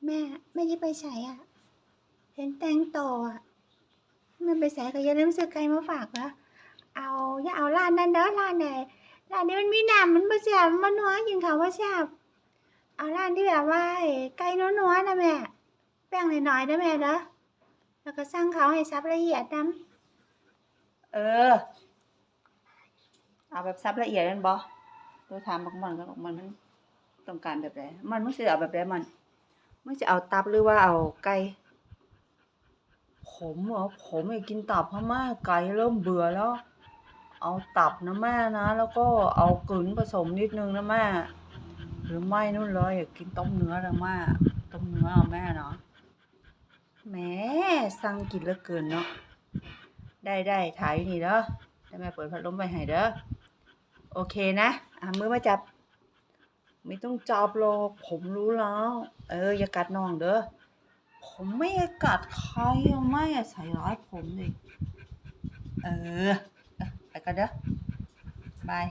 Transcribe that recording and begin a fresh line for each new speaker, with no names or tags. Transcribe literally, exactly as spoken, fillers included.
แม่แม่จะไปใส่อ่ะเห็นแตงโตอ่ะแม่ไปใส่ก็อย่าลืมซื้อไก่มาฝากนะเอาอย่าเอาร้านนั้นเด้อร้านไหนร้านนี้มันมีน้ำมันบ่แซ่บมันนัวกินข้าวบ่แซ่บเอาร้านที่แบบว่าไก่นัวๆนะแม่แป้งน้อยๆนะแม่เด้อแล้วก็สั่งเขาให้สับละเอียดนำ
เออเอาแบบซับละเอียดนั่นบ่ตัวถามบักมันกับบักมันมันต้องการแบบใดมันมึงสิเอาแบบใดมันมึงสิเอาตับหรือว่าเอาไก่ผมเหรอผมอยากกินตับพม่าไก่เริ่มเบื่อแล้วเอาตับนะแม่นะแล้วก็เอากึ๋นผสมนิดนึงนะแม่หรือไม่นู่นเลยอยากกินต้มเนื้อนะแม่ต้มเนื้อเอาแม่เนาะแหมสั่งกินเหลือเกินเนาะได้ได้ถ่ายอยู่นี่เด้อให้แม่เปิดพัดลมไว้ให้เด้อโอเคนะอ่ะมือมาจับไม่ต้องจับหรอกผมรู้แล้วเอออย่ากัดน้องเด้อผมไม่ได้กัดใครอะไม่อะใส่ร้ายผมเลยเออไปกันเด้อ